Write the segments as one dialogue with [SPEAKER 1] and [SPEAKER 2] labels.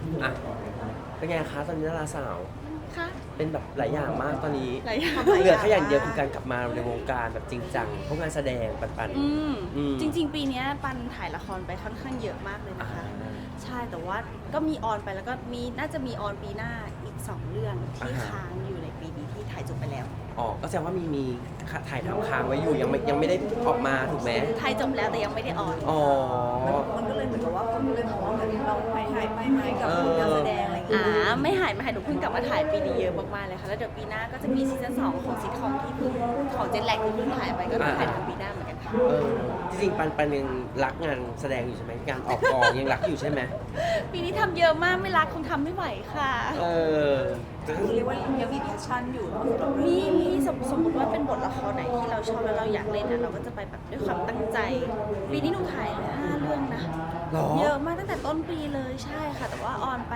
[SPEAKER 1] อ่ะเป็นไงคะตอนนี้ดาราสาว
[SPEAKER 2] ค่ะ
[SPEAKER 1] เป็นแบบหลายอย่างมากตอนนี้
[SPEAKER 2] หลายอย่าง
[SPEAKER 1] เหลือแค่อย่างเดียวคือการกลับมาในวงการแบบจริงจังพวกงานแสดงปัน
[SPEAKER 2] จริงๆปีนี้ปันถ่ายละครไปค่อนข้างเยอะมากเลยนะคะ ใช่แต่ว่าก็มีออนไปแล้วก็น่าจะมีออนปีหน้าอีก2เรื่องที่ค้างอยู่ในปีนี้ที่ถ่ายจบไปแล้ว
[SPEAKER 1] อ๋อก็แสดงว่ามีถ่ายทำค้างไว้อยู่ยังไม่ได้ออกมาถูกไหม
[SPEAKER 2] ถ่ายจบแล้วแต่ยังไม่ได้ออน
[SPEAKER 1] อ๋อ
[SPEAKER 3] มันก็เลยเหมือนกับว่าคนก็เลยมองว่าเหมือนเราหายไปไหมกับการแสดงอะไรอย่างเงี้ย
[SPEAKER 2] ไม่หายหนูเพิ่งกลับมาถ่ายปีนี้เยอะมากๆเลยค่ะแล้วเดี๋ยวปีหน้าก็จะมีซีซั่น2ของซิทคอมที่เพิ่งของเจนแลกที่เพิ่งถ่ายไปก็ถ่ายทำปีหน้าเหมือนกันค่ะ
[SPEAKER 1] จริงๆปันยังรักงานแสดงอยู่ใช่ไหมงานออกกองยังรักอยู่ใช่ไหม
[SPEAKER 2] ปีนี้ทำเยอะมากไม่รักคงทำไม่ไหวค่ะ
[SPEAKER 3] เรียกว่ายังมีแพชชั่นอยู่
[SPEAKER 2] มีสมมติว่าเป็นบทละครไหนที่เราชอบแล้วเราอยากเล่นเราก็จะไปแบบด้วยความตั้งใจปีนี้หนูถ่ายเลย5 เรื่องนะเยอะมากตั้งแต่ต้นปีเลยใช่ค่ะแต่ว่าออนไป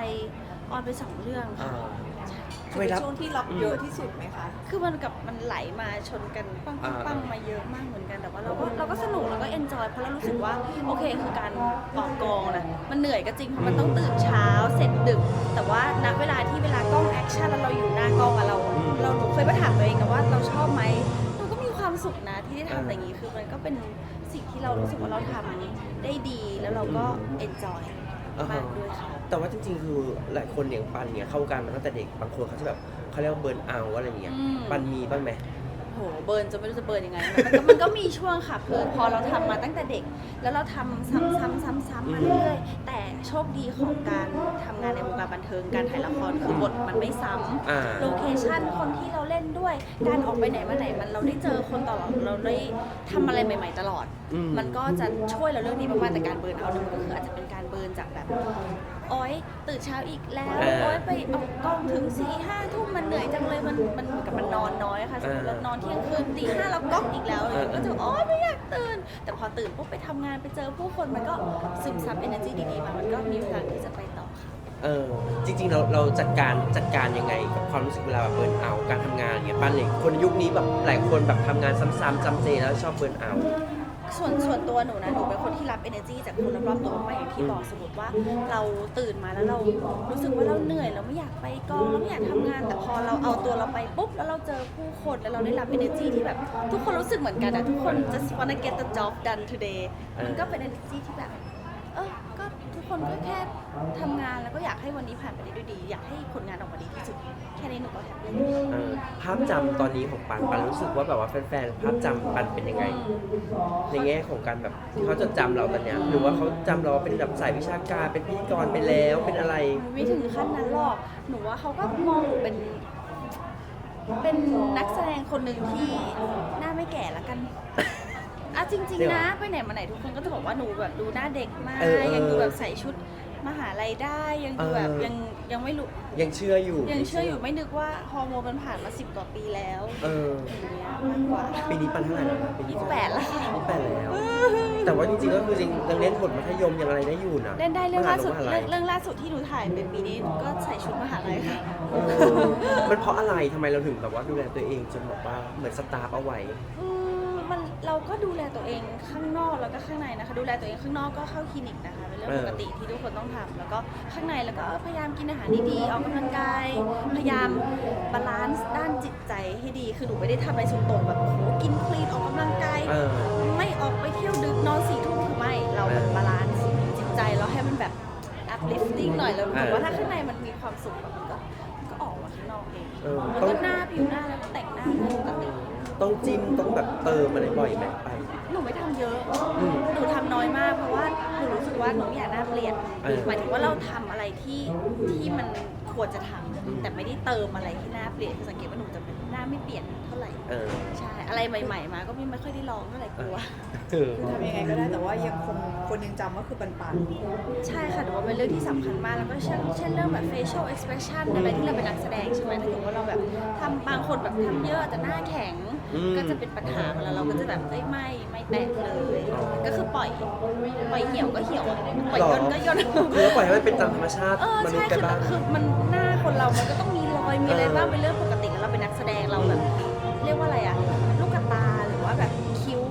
[SPEAKER 2] 2 เรื่องค่ะ
[SPEAKER 3] เป็นช่วงที่รับเยอะที่สุดไหมคะ
[SPEAKER 2] คือมันไหลมาชนกันปังมาเยอะมากเหมือนกันแต่ว่าเราก็สนุกแล้วก็เอนจอยเพราะเรารู้สึกว่าโอเคคือการออกกองนะมันเหนื่อยก็จริงเพราะมันต้องตื่นเช้าเสร็จดึกแต่ว่าณเวลากล้องแอคชั่นแล้วเราอยู่หน้ากล้องอะเราหนูเคยมาถามตัวเองนะว่าเราชอบไหมเราก็มีความสุขนะที่ได้ทำอย่างนี้คือมันก็เป็นสิ่งที่เรารู้สึกว่าเราทำได้ดีแล้วเราก็เอนจอยมากด้วยค่ะ
[SPEAKER 1] แต่ว่าจริงๆคือหลายคนอย่างปันเนี่ยเข้าวงการมาตั้งแต่เด็กบางคนเขาจะแบบเขาเรียกว่าเบิร์นเอาท์อะไรอย่างเงี้ยปันมีบ้างไหม
[SPEAKER 2] โหเบิร์นจะไม่รู้จะเบิร์นยังไงมันก็มีช่วงค่ะคือพอเราทำมาตั้งแต่เด็กแล้วเราทำซ้ำๆมาเรื่อยๆแต่โชคดีของการทำงานในวงการบันเทิงการถ่ายละครคือบทมันไม่ซ้ำโลเคชั่นคนที่เราเล่นด้วยการออกไปไหนมาไหนมันเราได้เจอคนตลอดเราได้ทำอะไรใหม่ๆตลอดมันก็จะช่วยเราเรื่องนี้มากๆแต่การเบิร์นเอาท์มันก็คืออาจจะเป็นการเบิร์นจากแบบโอ๊ยตื่นเช้าอีกแล้วโอ๊ยไปออกกองถึง4-5 ทุ่มมันเหนื่อยจังเลยมันเหมือนกับมันนอนน้อยค่ะสมมติเรานอนเที่ยงคืนตี 5เราก๊อกอีกแล้วเลยก็จะโอ๊ยไม่อยากตื่นแต่พอตื่นปุ๊บไปทำงานไปเจอผู้คนมันก็ซึมซับ energy ดีๆมามันก็มีพลังที่จะไปต่อค่ะ
[SPEAKER 1] จริงๆเราจัดการยังไงกับความรู้สึกเวลาแบบเบิร์นเอาท์การทำงานอย่างเงี้ยปันเลยคนยุคนี้แบบหลายคนแบบทำงานซ้ำๆจำเจแล้วชอบเบิร์นเอาท์
[SPEAKER 2] ส่วนตัวหนูนะหนูเป็นคนที่รับ energy จากคนรอบๆตัวมากอย่างที่บอกสมมติว่าเราตื่นมาแล้วเรารู้สึกว่าเราเหนื่อยเราไม่อยากไปกองเราไม่อยากทำงานแต่พอเราเอาตัวเราไปปุ๊บแล้วเราเจอผู้คนแล้วเราได้รับ energy ที่แบบทุกคนรู้สึกเหมือนกันนะทุกคน just wanna get the job done today มันก็เป็น energy ที่แบบก็ทุกคนก็แค่ทำงานแล้วก็อยากให้วันนี้ผ่านไปได้ด้วยดีอยากให้ผลงานออกมาดีที่สุดแค่นี้หนูก็แฮปปี้
[SPEAKER 1] ภาพจำตอนนี้ของปันรู้สึกว่าแบบว่าแฟนๆภาพจำปันเป็นยังไงในแง่ของการแบบที่เขาจดจำเราตอนเนี้ยหรือว่าเขาจำเราเป็นแบบสายวิชาการเป็นพิธีกรไปแล้วเป็นอะไร
[SPEAKER 2] ไม่ถึงขั้นนั้นหรอกหนูว่าเขาก็มองหนูเป็นนักแสดงคนหนึ่งที่หน้าไม่แก่ละกันจริงๆนะไปไหนมาไหนทุกคนก็จะบอกว่าหนูแบบดูหน้าเด็กมากยังดูแบบใส่ชุดมหาลัยได้ยังดูแบบยังไม่รู้
[SPEAKER 1] ยังเชื่ออยู่
[SPEAKER 2] ไม่นึกว่าฮอร์โมนมันผ่านมา10 กว่าปีแล้วอย่างเงี้ยมากกว่า
[SPEAKER 1] ปีนี้ปันเท่าไหร่แล้วนะปีนี้
[SPEAKER 2] 28แล้ว
[SPEAKER 1] 28แล้วแต่ว่าจริงๆก็คือจริงยังเล่นบทมัธยมยังอะไรได้อยู่นะ
[SPEAKER 2] เล่นได้เรื่องล่าสุดที่หนูถ่ายเป็นปีนี้ก็ใส่ชุดมหาลัยค่ะ
[SPEAKER 1] มันเพราะอะไรทำไมเราถึงแบบว่าดูแลตัวเองจนแบบว่าเหมือนสตาร์ฟเอาไว้
[SPEAKER 2] เราก็ดูแลตัวเองข้างนอกแล้วก็ข้างในนะคะดูแลตัวเองข้างนอกก็เข้าคลินิกนะคะเป็นเรื่องปกติที่ทุกคนต้องทำแล้วก็ข้างในแล้วก็พยายามกินอาหารดีๆออกกำลังกายพยายามบาลานซ์ด้านจิตใจให้ดีคือหนูไม่ได้ทำอะไรสุดโต่งแบบโอ้โหกินคลีนออกกำลังกายไม่ออกไปเที่ยวดึกนอน4 ทุ่มคือไม่เราแบบบาลานซ์จิตใจแล้วให้มันแบบ uplifting หน่อยแล้วแต่ว่าถ้าข้างในมันมีความสุขมันก็ออกมาข้างนอกเองแล้วก็ผิวหน้าแล้วก็แต่งหน้าปกติ
[SPEAKER 1] ต้องจิ้มต้องแบบเติมอะไรบ่อยไหมไป
[SPEAKER 2] หนูไม่ทำเยอะหนูทำน้อยมากเพราะว่าหนูรู้สึกว่าหนูไม่อยากหน้าเปลี่ยนหมายถึงว่าเราทำอะไรที่มันควรจะทำแต่ไม่ได้เติมอะไรที่หน้าเปลี่ยนสังเกตว่าหนูจะเป็นหน้าไม่เปลี่ยนเท่าไหร่ใช่อะไรใหม่ๆมาก็ไม่ค่อยได้ลองเท่าไหร่กลัว
[SPEAKER 3] คือทำยังไงก็ได้แต่ว่ายังคงคนยังจำว่าคือปัน
[SPEAKER 2] ใช่ค่ะหนูว่าเป็นเรื่องที่สำคัญมากแล้วก็เช่นเรื่องแบบ facial expression อะไรที่เราเป็นนักแสดงใช่ไหมถ้าเกิดว่าเราแบบทำบางคนแบบทำเยอะแต่หน้าแข็งก็จะเป็นปัญหาแล้วเราก็จะแบบไม่แตะเลยก็คือปล่อยเหี่ยวก็เหี่ยวปล่อยย่นก็ย่น
[SPEAKER 1] คือปล่อยให้มันเป็นตามธรรมชาติมนุษย์กันบ้าง
[SPEAKER 2] คือมันหน้าคนเรามันก็ต้องมีรอยมีอะไรบ้างเป็นเรื่องปกติแล้วเราเป็นนักแสดงเราแบบเรียกว่าอะไรอะลูกตาหรือว่าแบบคิ้ว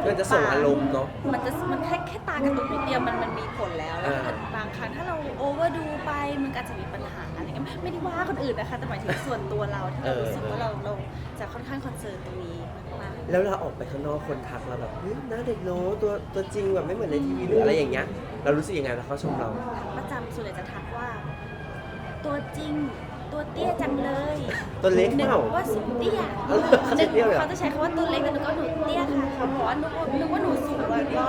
[SPEAKER 1] มันจะส่งอารมณ์เนาะ
[SPEAKER 2] มันแค่ตากระตุกนิดเดียวมันมีผลแล้วแล้วถ้าเกิดบางครั้งถ้าเราโอเวอร์ดูไปมันก็อาจจะมีปัญหาอะไรเงี้ยไม่ได้ว่าคนอื่นนะคะแต่หมายถึงส่วนตัวเราที่เรารู้สึกว่าเราจะค่อนข้างคอนเซิร์นตรงนี้มาก
[SPEAKER 1] แล้วเราออกไปข้างนอกคนทักเราแบบหน้าเด็กโน้ตัวจริงแบบไม่เหมือนในทีวีหรืออะไรอย่างเงี้ยเรารู้สึกยังไงแล้วเขาชมเรา
[SPEAKER 2] ประจำส่วนใหญ่จะทักว่า ตัวจริงตัวเตี้ยจังเลย
[SPEAKER 1] ตัวเล็ก
[SPEAKER 2] นึ
[SPEAKER 1] เป
[SPEAKER 2] ก
[SPEAKER 1] ล่า
[SPEAKER 2] ว่าสูงเตี้ย
[SPEAKER 1] เขาจะเตี้ยเหรอ
[SPEAKER 2] เขาจะใช้คำว่าตัวเล็กแต่หนูก็หนูเตี้ยค่ะเขาบอกว่านึกว่าหนูสูง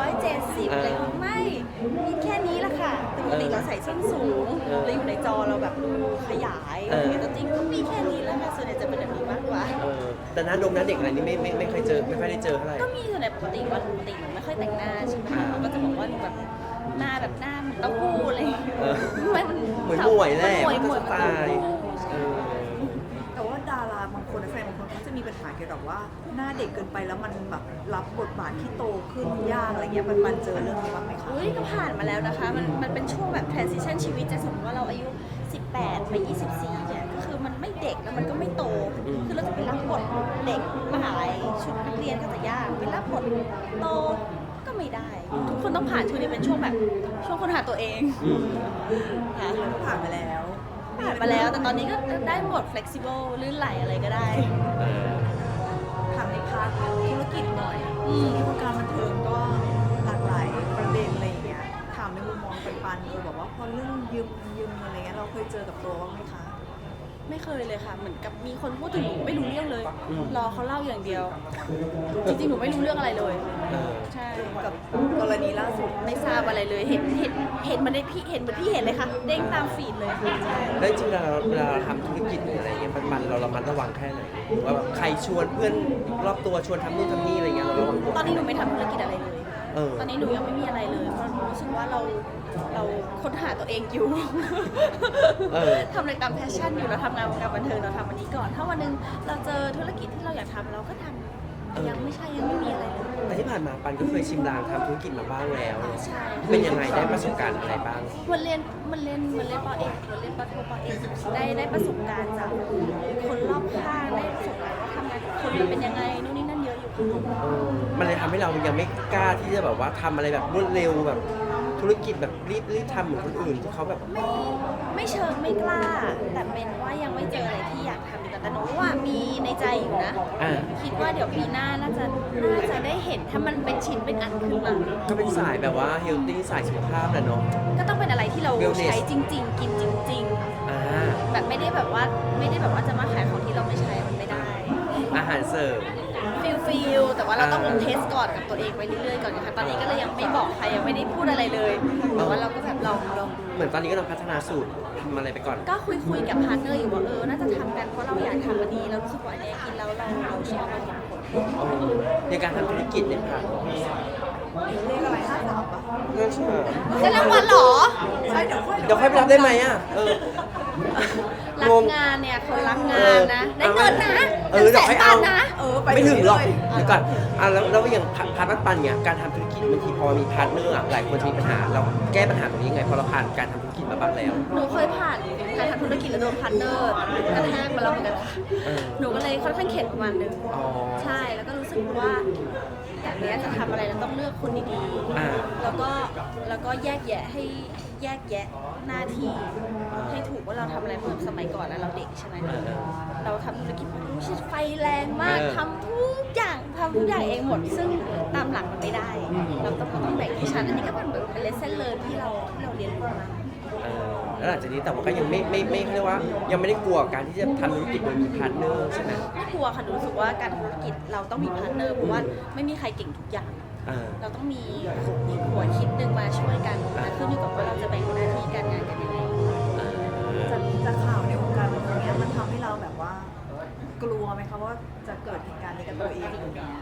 [SPEAKER 2] 170อะไรไม่มีแค่นี้ละค่ะแต่ปกติเราใส่ส้นสูงเราอยู่ในจอเราแบบดูขยายอะไรอย่างเงี้ยแต่จริงก็มีแค่นี้แล้วค่ะส่วนใหญ่จะเป็นแบบนี้มากกว่า
[SPEAKER 1] แต่หน้าเด็กอะไรนี่ไม่เคยเจอไม่ค่อยได้เจอเท่าไหร่
[SPEAKER 2] ก็มีส่วนใหญ่ปกติวันปกติหนูไม่ค่อยแต่งหน้าใช่ไหมเขาก็จะบอกว่าหนูแบบหน้าเหมือนเต้าหู้อะไรอย่างเงี้ย
[SPEAKER 1] เหมือนหมวยแหละ
[SPEAKER 2] หมวย
[SPEAKER 1] มันก็สไตล์
[SPEAKER 3] แต่ว่าดาราบางคนนักแสดงบางคนเขาจะมีปัญหาเกี่ยวกับว่าหน้าเด็กเกินไปแล้วมันแบบรับบทบาทที่โตขึ้นยากอะไรเงี้ยมันเจอเรื่องนี้บ้างไหมคะ
[SPEAKER 2] อุ้ยก็ผ่านมาแล้วนะคะมันเป็นช่วงแบบ transition ชีวิตจะสมมติว่าเราอายุ 18 ไป 24 เนี่ยก็คือมันไม่เด็กแล้วมันก็ไม่โต คือเราจะไปรับบทเด็กมหาลัยชุดนักเรียนก็จะยากไปรับบทโตก็ไม่ได้ ทุกคนต้องผ่านช่วงนี้เป็นช่วงแบบช่วงค้นหาตัวเองค่ะ
[SPEAKER 3] ผ่านมาแล้ว
[SPEAKER 2] ผ่านมาแล้วแต่ตอนนี้ก็ได้หมด flexible ลื่นไหลอะไรก็ได้
[SPEAKER 3] ทำในพาร์ทธุรกิจหน่อยที่วงการบันเทิงก็หลากหลายประเด็นอะไรอย่างเงี้ยถามในมุมมองปันแบบว่าพอเรื่องยืมอะไรเงี้ยเราเคยเจอกับตัวบ้างไหมคะ
[SPEAKER 2] ไม่เคยเลยค่ะ เหมือนกับมีคนพูดถึงหนูไม่รู้เรื่องเลย รอเขาเล่าอย่างเดียว จริงๆ หนูไม่รู้เรื่องอะไรเลย ใช่
[SPEAKER 3] กับกรณีล่าสุด
[SPEAKER 2] ไม่ทราบอะไรเลย เห็นมันได้พี่เห็นเหมือนพี่เห็นเลยค่ะ เด้งตามฟีดเลยใช่
[SPEAKER 1] แล้วจริงๆเวลาเราทำธุรกิจหรืออะไรเงี้ยมันเราระมัดระวังแค่ไหนหรือว่าแบบใครชวนเพื่อนรอบตัวชวนทำนู่นทำนี่อะไรเงี้ยเราระวัง
[SPEAKER 2] ตอนนี้หนูไม่ทำธุรกิจอะไรเลย
[SPEAKER 1] ต
[SPEAKER 2] ตอนนี้หนูยังไม่มีอะไรเลย เพราะหนูรู้สึกว่าเราค้นหาตัวเองอยู่ ทำอะไรตามแพชชั่นอยู่เราทำงานวงการบันเทิงเราทำวันนี้ก่อน ถ้าวันหนึงเราเจอธุรกิจที่เราอยากทำเราก็ทำแต่ยังไม่มีอะไรเลย
[SPEAKER 1] แต่ที่ผ่านมาปันก็เคยชิมลางทำธุรกิจมาบ้างแล้ว
[SPEAKER 2] ใช่
[SPEAKER 1] เป็นยังไงได้ประสบการณ์อะไรบ้าง
[SPEAKER 2] มันเรียนปอเอกมันเรียนปอโทปอเอกได้ประสบการณ์จากคนรอบข้างได้ประสบการณ์ว่าทำงานกับคนมันเป็นยังไงนู่นนี่นั่นเยอะอยู่ค่ะ
[SPEAKER 1] มันเลยทำให้เรายังไม่กล้าที่จะแบบว่าทำอะไรแบบรวดเร็วแบบธุรกิจแบบรีบทำเหมือนคนอื่นที่เขาแบบ
[SPEAKER 2] ไม่เชิงไม่กล้า แต่เป็นว่ายังไม่เจออะไรที่อยากทำดีกว่าแต่หนูว่ามีในใจอยู่นะ คิดว่าเดี๋ยวปีหน้าน่าจะได้เห็นถ้ามันเป็นชิ้นเป็นอันขึ้นมา
[SPEAKER 1] ก็เป็นสายแบบว่าเฮลตี้สายสุขภาพแหละเนาะ
[SPEAKER 2] ก็ต้องเป็นอะไรที่เรา
[SPEAKER 1] Wellness
[SPEAKER 2] ใช้จริง ๆ กินจริง
[SPEAKER 1] อ่า
[SPEAKER 2] ๆ แบบไม่ได้แบบว่าจะมาขายของที่เราไม่ใช้มันไม่ได้
[SPEAKER 1] อาหารเสริม
[SPEAKER 2] ฟิลแต่ว่าเราต้องเทสก่อนกับตัวเองไปเรื่อยๆก่อนนะคะตอนนี้ก็เลยยังไม่บอกใครยังไม่ได้พูดอะไรเลยแต่ว่าเราก็แบบลองดู
[SPEAKER 1] เหมือนตอนนี้ก็ต้องพัฒนาสูตรทำอะไรไปก่อน
[SPEAKER 2] ก็คุยกับพาร์ทเนอร์อยู่ว่าน่าจะทำกันเพราะเราอยากทำอันนี้เรารู้สึกว่าอันนี้กินแล้วเราชอบเราเห็นผล
[SPEAKER 1] ในการทำธุรกิจเนี่ยค่ะ
[SPEAKER 3] เรียกอะไร53ปะ
[SPEAKER 1] น่าเชื่อ
[SPEAKER 2] ได้รางวัลเหรอ
[SPEAKER 3] ใช่เดี๋ยว
[SPEAKER 1] เดี๋ยวค่อยไปรับได้ไหมอ่ะ
[SPEAKER 2] รักงานเนี่ยคนรักงานนะได้เงินนะ
[SPEAKER 1] เดี๋ยวค่อยเอา
[SPEAKER 2] 100,000 นะ
[SPEAKER 1] ไม่ถึงหรอกเดี๋ยวก่อนแล้วอย่างพาร์ทปันเนี่ยการทำธุรกิจบางทีพอมีพาร์ทเนอร์หลายคนจะมีปัญหาเราแก้ปัญหาตรงนี้ยังไงพอเราผ่านการทำธุรกิจมาบ้างแล้ว
[SPEAKER 2] หนูเคยผ่านการทำธุรกิจแล้วโดนพาร์ทเนอร์กระแทกมาแล้วเหมือนกันค่ะหนูก็เลยค่อนข้างเข็ดประมาณนึงใช่แล้วก็รู้สึกว่าแบบนี้จะทำอะไรเราต้องเลือกคนดีๆแล้วก็แยกแยะหน้าที่ให้ถูกว่าเราทำอะไรเมื่อสมัยก่อนนะเราเด็กใช่ไหมเราทำธุรกิจรู้สึกไฟแรงมากทำทุกอย่างเองหมดซึ่งตามหลักมันไม่ได้เราต้องแบ่งให้ชัดอันนี้ก็เป็นแบบเป็นเลสเซ่นเลิร์นที่เราเรียนรู้มา
[SPEAKER 1] แล้วหลังจากนี้แต่ว่าก็ยังไม่เรียกว่ายังไม่ได้กลัวการที่จะทำธุรกิจโดยมีพาร์ทเนอร์ใช่ไหม
[SPEAKER 2] ไม่กลัวค่ะหนูรู้สึกว่าการทำธุรกิจเราต้องมีพาร์ทเนอร์เพราะว่าไม่มีใครเก่งทุกอย่าง เราต้องมีหัวคิดหนึ่งมาช่วยกันแต่ขึ้นอยู่กับว่าเราจะแบ่งหน้าที่การงานกันยังไง
[SPEAKER 3] จากข่าวในวงการบันเทิงเนี้ยมันทำให้เราแบบว่ากลัวไหมคะว่าจะเกิดเหตุการณ์นี้กับตัวเอง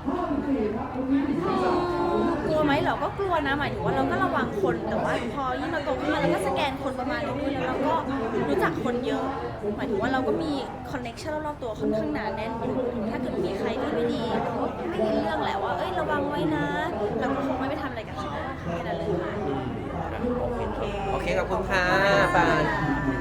[SPEAKER 2] กลัวไหมเราก็กลัวนะหมายถึงว่าเราก็ระวังคนแต่ว่าพอยิ่งเราโตขึ้นมาเราก็สแกนคนประมาณนึงแล้วเราก็รู้จักคนเยอะหมายถึงว่าเราก็มีคอนเนคชั่นรอบๆตัวค่อนข้างหนาแน่นอยู่ถ้าเกิดมีใครที่ไม่ดีเราก็ไม่ได้เรื่องแหละว่าระวังไว้นะเราก็คงไม่ไปทำอะไรกับเขาแค่นั้นเลยค่ะ
[SPEAKER 1] โอเคขอบคุณค่ะปาน